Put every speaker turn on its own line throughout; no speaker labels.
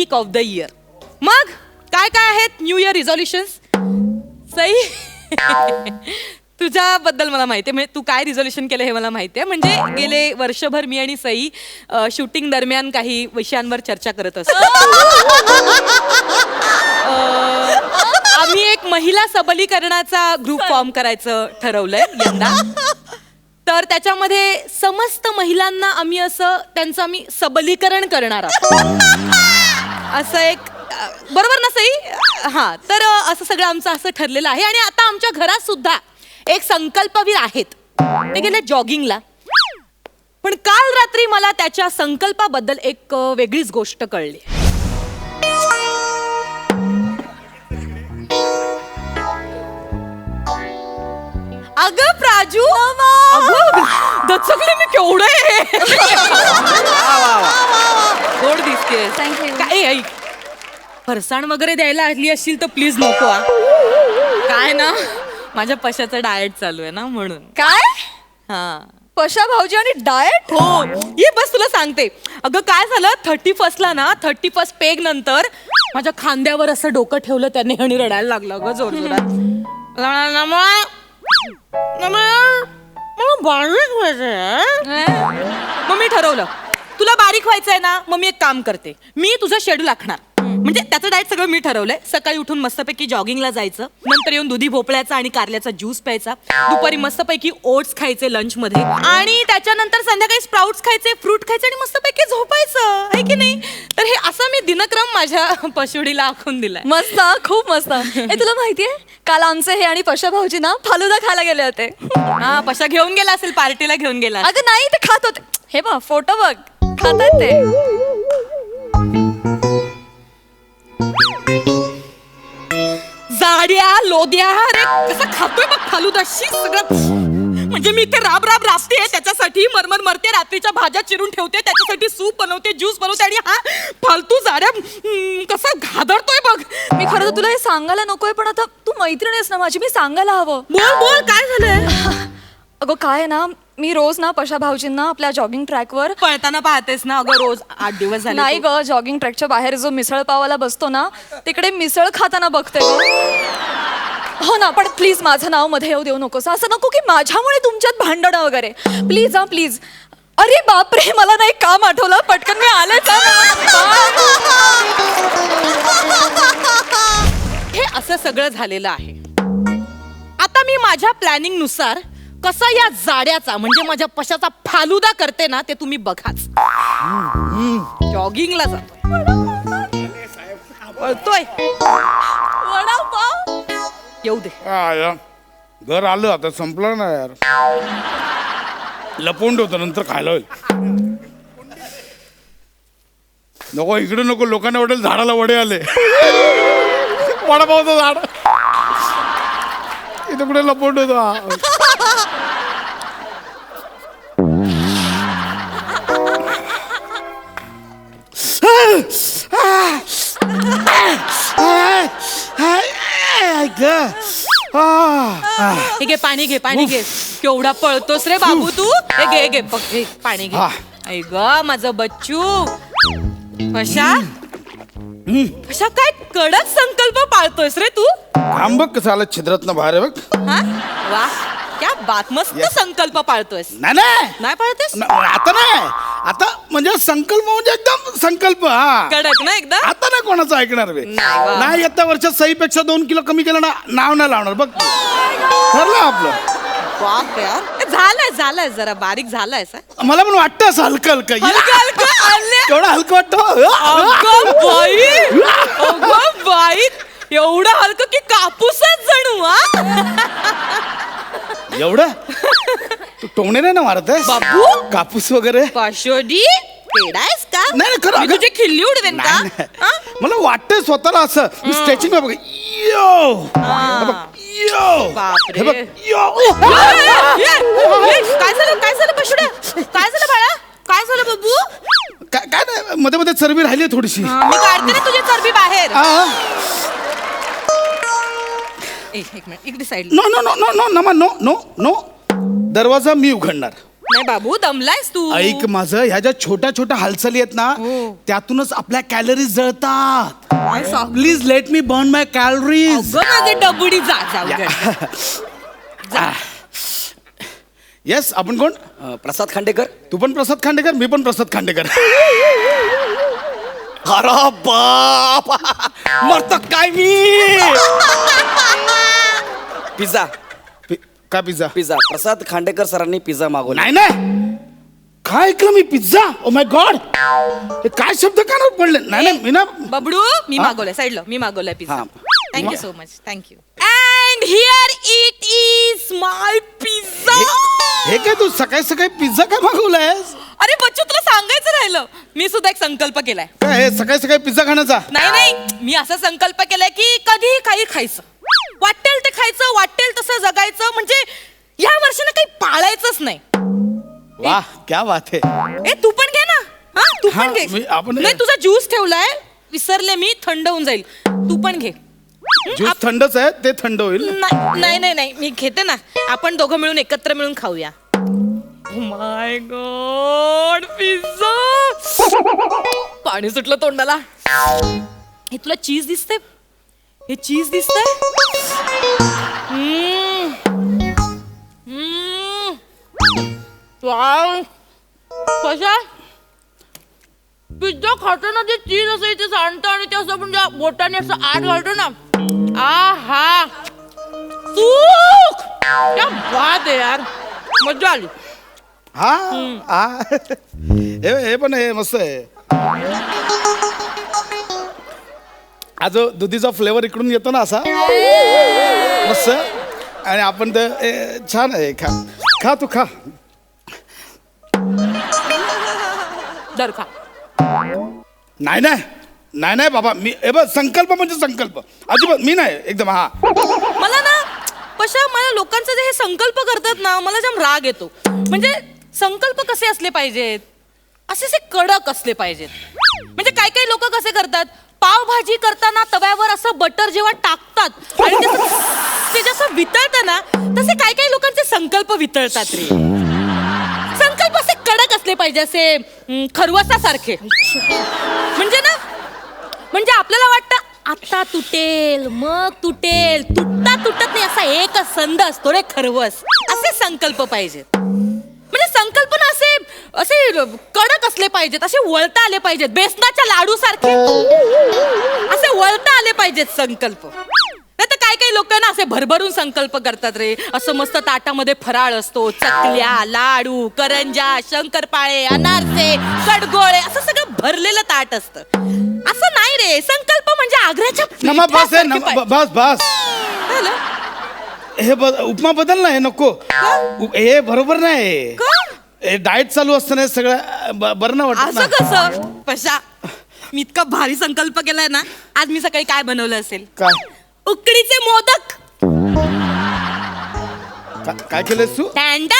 Weak of the year. मग काय काय आहेत न्यू इयर रिझॉल्युशन्स? सई तुझ्याबद्दल मला माहिती आहे, म्हणजे तू काय रिझॉल्युशन केलं हे मला माहिती आहे. म्हणजे गेले वर्षभर मी आणि सई शूटिंग दरम्यान काही विषयांवर चर्चा करत असतो. आम्ही एक महिला सबलीकरणाचा ग्रुप फॉर्म करायचं ठरवलंय यंदा. तर त्याच्यामध्ये समस्त महिलांना आम्ही त्यांचं आम्ही सबलीकरण करणार आहोत. असं एक बरोबर ना सई? हा, तर असं सगळं आमचं असं ठरलेलं आहे. आणि आता आमच्या घरात सुद्धा एक संकल्पवीर आहेत. ते गेले जॉगिंगला. पण काल रात्री मला त्याच्या संकल्पाबद्दल एक वेगळीच गोष्ट कळली. अगं प्राजू, दचकले मी केवढे गोड दिसतेस. काय ऐक, फरसाण वगैरे द्यायला आली असशील तर प्लीज नको. काय ना, माझ्या पशाचं डाएट चालू आहे ना म्हणून.
काय?
हा,
पशा भाऊजी आणि डाएट?
हो, ये बस तुला सांगते. अगं काय झालं, 31st ना, 31st पेग नंतर माझ्या खांद्यावर असं डोकं ठेवलं त्याने आणि रडायला लागलं ग जोरजोरात. मग मी ठरवलं तुला बारीक व्हायचंय ना, मग मी एक काम करते, मी तुझं शेड्यूल आखणार. म्हणजे त्याचं डाएट सगळं मी ठरवलंय. सकाळी उठून मस्तपैकी जॉगिंगला जायचं, नंतर येऊन दुधी भोपळ्याचा आणि कारल्याचा ज्यूस प्यायचा, दुपारी मस्तपैकी ओट्स खायचे लंच मध्ये, आणि त्याच्यानंतर संध्याकाळी स्प्राउट्स खायचे, फ्रूट खायचे आणि मस्तपैकी झोपायचं, आहे की नाही? तर हे असं मी दिनक्रम माझ्या पशुडीला आखून दिलाय.
मस्त, खूप मस्त. तुला माहितीये, काल आमचे हे आणि पशा भाऊजी ना फालुदा खायला गेले होते.
हा, पशा घेऊन गेला असेल, पार्टीला घेऊन गेला.
अगं नाही, ते खात होते. हे बघ फोटो बघ, खातात ते.
जाड्या लोद्या, अरे कसं खातोय बघ फालुदाशी सगळं. म्हणजे मी इथे राब राब राबते त्याच्यासाठी, मरमर मरते, रात्रीच्या भाज्या चिरून ठेवते त्याच्यासाठी, सूप बनवते, ज्यूस बनवते, आणि हा फालतू जाड्या कसं घादरतोय बघ.
मी खरं तर तुला हे सांगायला नकोय, पण आता तू मैत्रीण आहेस ना माझी, मी सांगायला हवं.
बोल बोल, काय झालंय?
अगं काय आहे ना, मी रोज ना पशा भाऊजींना आपल्या जॉगिंग ट्रॅकवर
पळताना पाहतेस ना अगं रोज, 8 दिवस झाले.
नाही ग, जॉगिंग ट्रॅकच्या बाहेर जो मिसळ पावाला बसतो ना, तिकडे मिसळ खाताना बघते ग. हो ना, पण प्लीज माझं नाव मध्ये येऊ देऊ नकोस. असं नको की माझ्यामुळे तुमच्यात भांडणं वगैरे. प्लीज हा प्लीज. अरे बापरे, मला नाही काम आठवलं, पटकन मी आलेच.
हे असं सगळं झालेलं आहे. आता मी माझ्या प्लॅनिंग नुसार कसा या जाड्याचा म्हणजे माझ्या पशाचा फालुदा करते ना, ते तुम्ही बघाच. जॉगिंगला जातोय, पळतोय, वडापाव येऊ दे.
घर आलं आता, संपलं ना यार. लपवून ठेवतो, नंतर खायला होईल. नको इकडे नको, लोकांना वाटेल झाडाला वडे आले. वडापावचं झाड इथे कुठे लपवून ठेवतो.
हे घे पाणी, घे पाणी, घे. केवढा पळतोस रे बाबू तू. हे घे, घे बघ, घे पाणी, घे. ऐ ग माझं बच्चू. पशा पशा, काय कडक संकल्प पाळतोयस रे तू.
काम बघ कसं आलं छिद्रातनं बाहेर आहे बघ.
हा वा, क्या बात, मस्त संकल्प पाळतोयस.
नाही
पाळतेस
आता नाही, आता म्हणजे संकल्प म्हणजे एकदम संकल्प. हा,
कडक ना एकदम.
आता नाही कोणाचं ऐकणार बे. नाही, येत्या वर्षात सईपेक्षा 2 किलो कमी केलं ना, नाव नाही लावणार बघ. ठरलं आपलं.
बाप यार, झालंय जरा बारीक झालाय.
मला पण वाटतं असं हलकं हलकं. एवढं हलकं वाटतं.
बाई, एवढं हलकं की कापूसच जणू.
एवढं तू टोमणे नाही ना मारत आहे
बाबू,
कापूस वगैरे.
पाशोडी पेडायस का?
नाही खरं,
मी तुझी खिल्ली उडवेन का?
मला वाटतंय स्वतःला असं. स्ट्रेचिंग बघ.
बापरे, काय झालं पाशोड्या, काय झालं बाळा, काय झालं बाबू?
काय नाही, मध्ये मध्ये चरबी राहिली थोडीशी.
मी काढते ना तुझी चरबी बाहेर. एक मिनिट, इकडे side.
No no no no no no no no, दरवाजा मी उघडणार.
नाही बाबू दमलायस तू.
ऐक माझं, ह्या ज्या छोट्या छोट्या हालचाली आहेत ना त्यातूनच आपल्या कॅलरीज जळतात. Please let me burn my calories.
अगं माझे डबुडी जा जाऊ.
येस, आपण कोण?
प्रसाद खांडेकर.
तू पण प्रसाद खांडेकर, मी पण प्रसाद खांडेकर.
अरे बाप, मरतो काय मी. पिझ्झा.
काय पिझ्झा?
पिझ्झा. प्रसाद खांडेकर सरांनी पिझ्झा मागवला.
नाही नाही, काय ऐकलं मी? पिझ्झा? ओ माय गॉड, हे काय शब्द कानावर पडले? नाही नाही, मी ना
बबडू मी मागवलंय साईडला, मी मागवलंय पिझ्झा.
हा.
Thank you so much. Thank you. And here it is my pizza.
हे काय तू सकाळी सकाळी पिझ्झा काय मागवलायस?
अरे बच्चू तुला सांगायचं राहिलं, मी सुद्धा एक संकल्प केलाय.
काय हे सकाळी सकाळी पिझ्झा खाण्याचा?
नाही नाही, मी असा संकल्प केलाय की कधी काही खायचं, वाटेल ते खायचं, वाटेल तसं जगायचं. म्हणजे या वर्षानं काही पाळायचंच नाही.
वाह, क्या बात है.
ए तू पण घे ना. हा तू
हा,
पण घे.
आपण-
नाही तुझा ज्यूस ठेवलाय, विसरले मी, थंड होऊन जाईल. तू पण घे.
ज्यूस थंडच आहे, ते थंड होईल.
नाही नाही नाही, मी घेते ना. आपण दोघं मिळून एकत्र मिळून खाऊया. My god, pizza. पाणी सुटलं तोंडाला. हे तुला चीज दिसते? हे चीज दिसतंय? वाव, कशा पिझ्झा खाताना जे चीज असं इथे सांडतं आणि ते असं म्हणजे बोटाने असं आत घालतो ना. आहा, सुख. क्या बात आहे यार, मजा आली.
हा हा, हे पण हे मस्त आहे. हा जो दुधीचा फ्लेवर इकडून येतो ना असा मस्त, आणि आपण ते छान आहे. खा खा, तू खा.
दर खा.
नाही नाही नाही नाही बाबा, मी हे बघ, संकल्प म्हणजे संकल्प, अजिबात मी नाही एकदम. हा
मला ना पशा, मला लोकांचे जे हे संकल्प करतात ना, मला जाम राग येतो. म्हणजे संकल्प कसे असले पाहिजेत, असे कडक असले पाहिजेत. म्हणजे काही काही लोक कसे करतात, पावभाजी करताना तव्यावर असं बटर जेव्हा टाकतात आणि ते जसं वितळतं ना, तसे काही काही लोकांचे संकल्प वितळतात रे. संकल्प असे कडक असले पाहिजे, असे खरवसासारखे. म्हणजे ना, म्हणजे आपल्याला वाटतं आता तुटेल, मग तुटेल, तुटता तुटत नाही, असा एकच संद असतो रे खरवस. असे संकल्प पाहिजेत. म्हणजे संकल्पना असे असे कडक असले पाहिजेत, असे वळता आले पाहिजेत, बेसनाच्या लाडू सारखे असे वळता आले पाहिजेत संकल्प. नाही तर काही काही लोक ना असे भरभरून संकल्प करतात रे. असं मस्त ताटामध्ये फराळ असतो, चकल्या, लाडू, करंजा, शंकरपाळे, अनारसे, कडगोळे, असं सगळं भरलेलं ताट असतं. असं नाही रे, संकल्प म्हणजे आग्र्याच्या
नमा बस आहे,
पिठासारखे पाहिजे.
बस बस.
झालं?
हे उपमा बदल ना, हे नको. हे बरोबर नाही.
का?
हे डाएट चालू असताना हे सगळं बरं नाही वाटत
असं
ना.
कसं पशा, मी इतका भारी संकल्प केलाय ना. आज मी सकाळी काय बनवलं असेल?
काय
उकडीचे मोदक.
काय केलंस तू?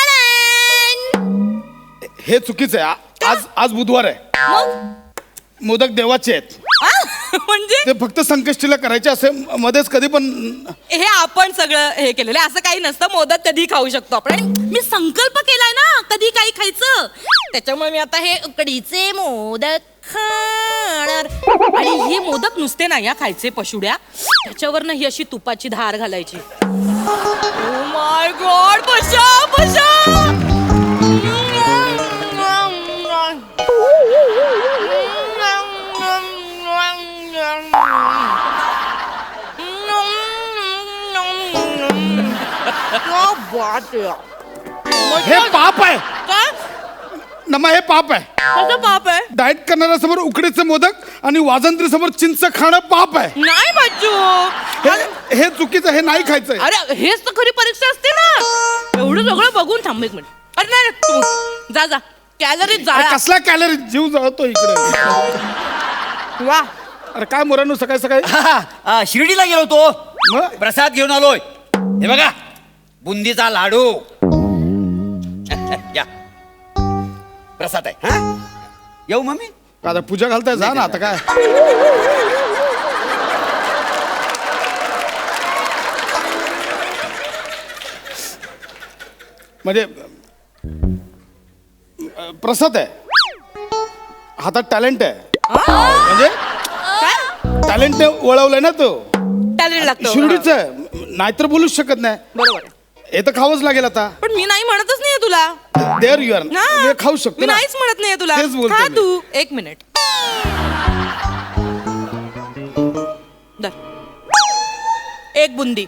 टँटन.
हे चुकीचं आहे. आज आज बुधवार आहे.
मग
मोदक देवाचे आहेत.
म्हणजे
ते फक्त संकष्टीला करायचे, असे मध्येच कधी पण.
हे आपण सगळं हे केलेलं आहे, असं काही नसतं. मोदक कधी खाऊ शकतो आपण. आणि मी संकल्प केलाय ना कधी काही खायचं, त्याच्यामुळे मी आता हे उकडीचे मोदक खाणार. आणि हे मोदक नुसते नाही या खायचे पशुड्या, त्याच्यावर ना ही अशी तुपाची धार घालायची. ओ माय गॉड, पशा पशा.
हे पाप आहे
काय?
नमा, हे पाप आहे.
कसं पाप आहे?
डाएट करणाऱ्या समोर उकडीचे मोदक आणि वाजंत्री समोर चिंच खाणं पाप आहे.
नाही बच्चू,
हे चुकीचं, हे नाही खायचंय.
अरे हेच तर खरी परीक्षा असते ना. एवढं सगळं बघून थांब एक मिनिट. अरे नाही नाही, तू जा जा, कॅलरीज
अरे
जा.
कसला कॅलरी, जीव जळतो इकडे.
वा,
अरे काय मोरांनो, सकाळी सकाळी
शिर्डीला गेलो होतो,
मग?
प्रसाद घेऊन आलोय. हे बघा, बुंदीचा लाडू. या प्रसाद आहे. हा, येऊ मम्मी.
आता पूजा घालताय, जा ना आता. काय म्हणजे प्रसाद आहे, हातात टॅलेंट आहे, म्हणजे
काय
टॅलेंटने वळवलंय ना तो.
टॅलेंट लागतं
शिर्डीच आहे, नाहीतर बोलूच शकत नाही.
बरोबर आहे.
हे तर खावंच लागेल आता.
पण मी नाही म्हणतच नाहीये तुला.
देअर यू आर,
हा.
खाऊ शकतो
मी
ना.
नाहीच म्हणत नाहीये तुला.
तेच बोलतोय
खा
मी.
तू. एक मिनिट. धर. एक बुंदी.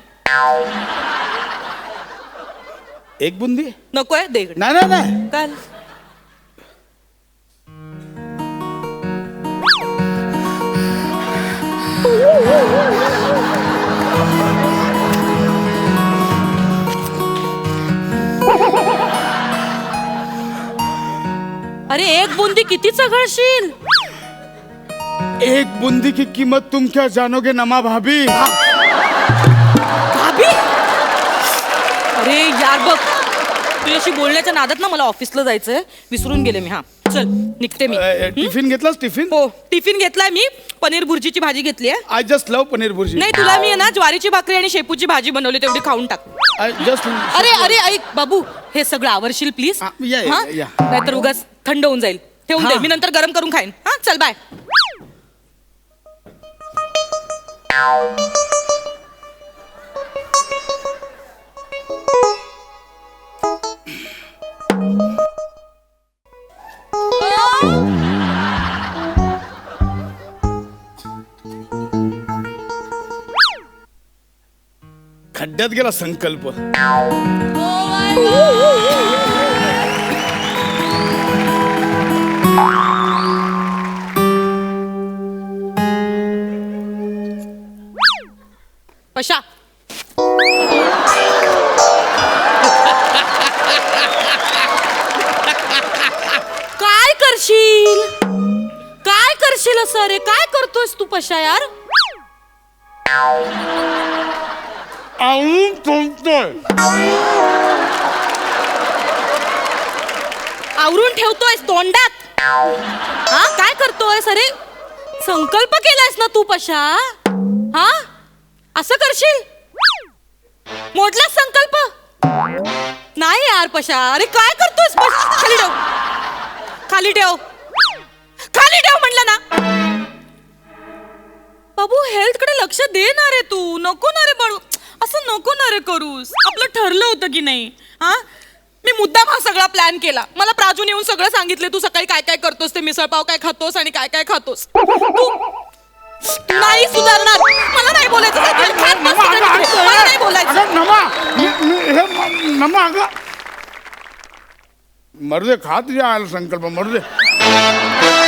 एक बुंदी
नकोय दे इकडे.
नाही नाही नाही.
काल अरे एक बुंदी किती चघळशील.
एक बुंदी की कीमत तुम क्या जानोगे नमा भाभी.
भाभी. अरे यार बघ, तुझ्याशी बोलण्याच्या नादात ना मला ऑफिसला जायचंय, विसरून गेले मी. हा चल निघते मी.
टिफिन घेतलास टिफिन.
हो टिफिन घेतलाय मी. पनीर भुर्जीची भाजी घेतली आहे.
I just love paneer bhurji.
नाही तुला मी आहे ना ज्वारीची भाकरी आणि शेपूची भाजी बनवली, तेवढी खाऊन टाक.
I just.
अरे अरे ऐक बाबू, हे सगळं आवरशील प्लीज.
हा, या.
नाहीतर उगाच थंड होऊन जाईल. ठेवून दे,
हा.
मी नंतर गरम करून खाईन. हा चल बाय.
खड्ड्यात गेला संकल्प.
पशा. काय करशील, काय करशील असं. रे काय करतोयस तू पशा यार.
आवळून तोडतोय.
आवरून ठेवतोयस तोंडात. हा काय करतोयस. अरे संकल्प केलायस ना तू पशा. हा असं करशील. मोडलास संकल्प. नाही यार पशा. अरे काय करतोयस. खाली ठेव, खाली ठेव, खाली ठेव म्हणलं ना. बाबू हेल्थ कडे लक्ष दे ना रे तू. नको ना रे बाळू, असं नको ना रे करूस. आपलं ठरलं होतं की नाही. हा मी मुद्दाम हा सगळा प्लॅन केला. मला प्राजून येऊन सगळं सांगितलं तू सकाळी काय काय करतोस, ते मिसळपाव काय खातोस आणि काय काय खातोस. तू नाही सुधारणार. मला नाही बोलायचं. मला नाही बोलायचं.
नमा अगं मरू दे, खा तुझ्या आला संकल्प, मरू दे.